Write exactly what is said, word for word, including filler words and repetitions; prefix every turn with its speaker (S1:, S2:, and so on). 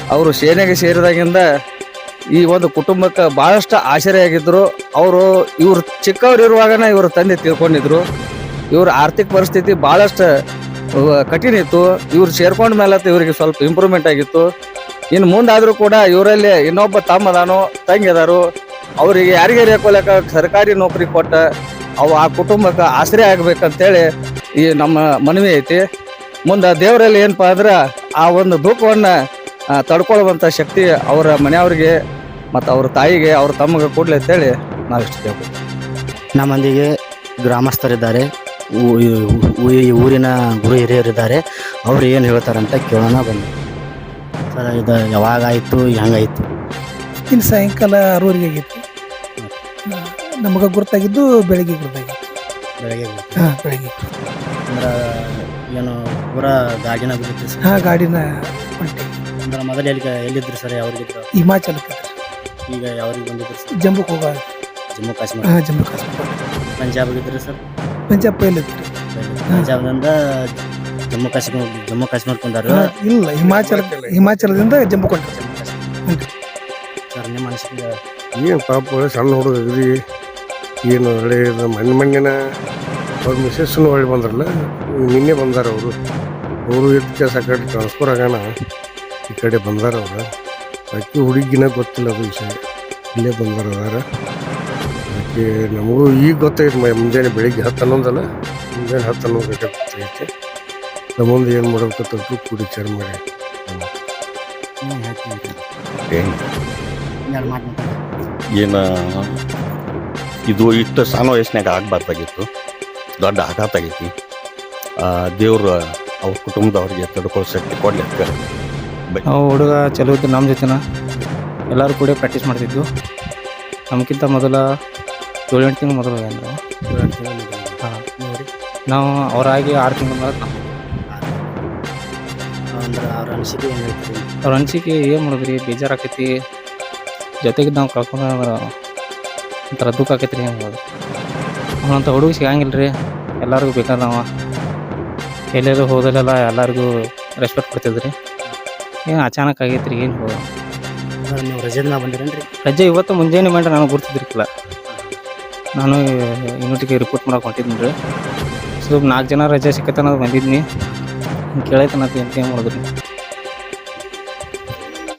S1: ಅವರು ಸೇನೆಗೆ ಸೇರಿದಾಗಿಂದ ಈ ಒಂದು ಕುಟುಂಬಕ್ಕೆ ಭಾಳಷ್ಟು ಆಶ್ಚರ್ಯ ಆಗಿದ್ರು. ಅವರು ಇವರು ಚಿಕ್ಕವ್ರು ಇರುವಾಗನ ಇವ್ರ ತಂದೆ ತಿಳ್ಕೊಂಡಿದ್ರು. ಇವ್ರ ಆರ್ಥಿಕ ಪರಿಸ್ಥಿತಿ ಭಾಳಷ್ಟು ಕಠಿಣ ಇತ್ತು. ಇವ್ರು ಸೇರ್ಕೊಂಡ ಮೇಲೆ ಇವರಿಗೆ ಸ್ವಲ್ಪ ಇಂಪ್ರೂವ್ಮೆಂಟ್ ಆಗಿತ್ತು. ಇನ್ನು ಮುಂದಾದರೂ ಕೂಡ ಇವರಲ್ಲಿ ಇನ್ನೊಬ್ಬ ತಮ್ಮ ಅದಾನು ತಂಗಿ ಅದಾರು. ಅವರಿಗೆ ಯಾರಿಗೆ ರೇಕೋಲಕ ಸರ್ಕಾರಿ ನೌಕರಿ ಕೊಟ್ಟ ಅವು ಆ ಕುಟುಂಬಕ್ಕೆ ಆಶ್ರಯ ಆಗ್ಬೇಕಂತೇಳಿ ಈ ನಮ್ಮ ಮನವಿ ಐತಿ. ಮುಂದೆ ದೇವರಲ್ಲಿ ಏನಪ್ಪ ಅಂದ್ರೆ ಆ ಒಂದು ದುಃಖವನ್ನು ತಡ್ಕೊಳ್ಳುವಂಥ ಶಕ್ತಿ ಅವರ ಮನೆಯವ್ರಿಗೆ ಮತ್ತು ಅವ್ರ ತಾಯಿಗೆ ಅವ್ರ ತಮ್ಮಗೆ ಕೊಡ್ಲಿ ಅಂತೇಳಿ ನಾವು ಇಷ್ಟ ಕೇಳ್ಬೋದು.
S2: ನಮ್ಮೊಂದಿಗೆ ಗ್ರಾಮಸ್ಥರಿದ್ದಾರೆ, ಈ ಊರಿನ ಗುರು ಹಿರಿಯರಿದ್ದಾರೆ. ಅವ್ರು ಏನು ಹೇಳ್ತಾರಂತ ಕೇಳೋಣ ಬನ್ನಿ. ಸರ್, ಇದು ಯಾವಾಗಾಯಿತು, ಹೆಂಗಾಯಿತು?
S3: ಇನ್ನು ಸಾಯಂಕಾಲ ಆರೂವರೆಗೆ ಆಗಿತ್ತು. ನಮಗೆ ಗುರ್ತಾಗಿದ್ದು ಬೆಳಗ್ಗೆ ಗುರ್ತಾಗಿತ್ತು.
S2: ಬೆಳಗ್ಗೆ
S3: ಹಾಂ, ಬೆಳಗ್ಗೆ.
S2: ಅಂದ್ರೆ ಏನು ಪೂರ ಗಾಡಿನ ಬಿಡುತ್ತೆ ಸರ್?
S3: ಹಾಂ, ಗಾಡಿನ ಹೊಂಟೆ.
S2: ಅಂದ್ರೆ ಮೊದಲು ಎಲ್ಲಿ ಎಲ್ಲಿದ್ರು ಸರ್? ಯಾವ್ರಿಗಿದ್ರು?
S3: ಹಿಮಾಚಲಕ್ಕೆ.
S2: ಈಗ ಯಾವ್ರಿಗೆ ಬಂದಿದ್ರು ಸರ್?
S3: ಜಮ್ಮುಕ್ಕೆ ಹೋಗ.
S2: ಜಮ್ಮು ಕಾಶ್ಮೀರ.
S3: ಹಾಂ, ಜಮ್ಮು ಕಾಶ್ಮೀರ.
S2: ಪಂಜಾಬ್ಗಿದ್ರು ಸರ್?
S3: ಪಂಜಾಬ್ ಪೈಲಿದ್ರು.
S2: ಪಂಜಾಬ್ನಿಂದ ಜಮ್ಮು ಕಾಶ್ಮೀರ ಜಮ್ಮು ಕಾಶ್ಮೀರಕ್ಕೆ ಬಂದಾರು?
S3: ಇಲ್ಲ, ಹಿಮಾಚಲ ಹಿಮಾಚಲದಿಂದ ಜಮ್ಮು ಕೊಂಡ.
S2: ಸರ್, ನಿಮ್ಮ ಅನಿಸಿಕೆ
S4: ಏನು? ಪಾಪ ಸಣ್ಣ ಹುಡುಗ್ರಿ ಏನು ಒಳ್ಳೆ ಮಣ್ಣು ಮಣ್ಣಿನ ಅವ್ರ ಮಿಸಸ್ಸನ್ನು ಒಳ್ಳೆ ಬಂದ್ರಲ್ಲ, ನಿನ್ನೆ ಬಂದಾರ ಅವರು. ಅವರು ಇದಕ್ಕೆ ಆ ಕಡೆ ಟ್ರಾನ್ಸ್ಫರ್ ಆಗೋಣ ಈ ಕಡೆ ಬಂದಾರ ಅವ್ರು. ಅಕ್ಕಿ ಹುಡುಗಿನ ಗೊತ್ತಿಲ್ಲ ಅದು ವಿಷಯ. ಇಲ್ಲೇ ಬಂದಾರ ಅದಾರ. ಅದಕ್ಕೆ ನಮಗೂ ಈಗ ಗೊತ್ತಾಯ್ತು. ಮುಂಜಾನೆ ಬೆಳಿಗ್ಗೆ ಹತ್ತು ಹನ್ನೊಂದಲ್ಲ, ಮುಂಜಾನೆ ಹತ್ತು ಹನ್ನೊಂದು ಗಂಟೆ ಗೊತ್ತಾಗೈತೆ. ನಮ್ಮ ಮುಂದೆ ಏನು ಮಾಡ್ಬೇಕಂತ ಕೂಡಿ ವಿಚಾರ ಮಾಡಿ
S5: ಏನು ಇದು ಇಷ್ಟು ಸಣ್ಣ ವಯಸ್ಸಿನಾಗ ಆಗಬಾರ್ದಾಗಿತ್ತು. ದೊಡ್ಡ ಆಘಾತ ಆಗೈತಿ. ದೇವ್ರು ಅವ್ರ ಕುಟುಂಬದವ್ರಿಗೆ ತಡ್ಕೊಳ್ಳೋ ಶಕ್ತಿ ಕೊಡ್ಲಿ ಅಂತ.
S6: ನಾವು ಹುಡುಗ ಚಲೋ ಇದ್ದು ನಮ್ಮ ಜೊತೆನ ಎಲ್ಲರೂ ಕೂಡ ಪ್ರಾಕ್ಟೀಸ್ ಮಾಡ್ತಿದ್ದು. ನಮಗಿಂತ ಮೊದಲ ಏಳು ಎಂಟು ತಿಂಗಳು ಮೊದಲು ಅಂದ್ರೆ ಹಾಂ, ನಾವು ಅವರಾಗಿ ಆರು ತಿಂಗಳ ಮೇಲೆ ನಾವು
S2: ಅಂದ್ರೆ ಅವ್ರ ಅನಿಸಿಕೆ ಏನು ಹೇಳ್ತೀರಿ?
S6: ಅವ್ರ ಅನಿಸಿಕೆ ಏನು ಮಾಡಿದ್ರಿ, ಬೇಜಾರಾಕೈತಿ. ಜೊತೆಗೆ ನಾವು ಕಳ್ಕೊಂಡು ಒಂಥರ ದುಃಖ ಆಕೈತಿ ರೀ. ಹೆಂಗೆ ಅವನಂತ ಹುಡುಗ ಸಿಗಂಗಿಲ್ಲ ರೀ. ಎಲ್ಲರಿಗೂ ಬೇಕಾದ ನಾವು ಎಲ್ಲೆಲ್ಲೂ ಹೋದಲ್ಲೆಲ್ಲ ಎಲ್ಲರಿಗೂ ರೆಸ್ಪೆಕ್ಟ್ ಕೊಡ್ತಿದ್ರಿ. ಏನು ಅಚಾನಕ್ ಆಗೈತೆ ರೀ. ಏನು ಹೋದ
S2: ನೀವು ರಜೆ ದಿನ ಬಂದಿರೇನು ರೀ?
S6: ರಜೆ ಇವತ್ತು ಮುಂಜಾನೆ ಮಾಡಿ ನಾನು ಗುರ್ತಿದ್ರಿಲ್ಲ. ನಾನು ಯೂನಿಟಿಗೆ ರಿಪೋರ್ಟ್ ಮಾಡಕ್ಕೆ ಹೊಂಟಿದ್ದೀನಿ ರೀ. ಸ್ವಲ್ಪ ನಾಲ್ಕು ಜನ ರಜೆ ಸಿಕ್ಕತ್ತ ಅನ್ನೋದು ಬಂದಿದ್ನಿ. ಕೇಳೈತೆ ಅನ್ನೋದು ಎಂತ ಏನು ಮಾಡಿದ್ರಿ.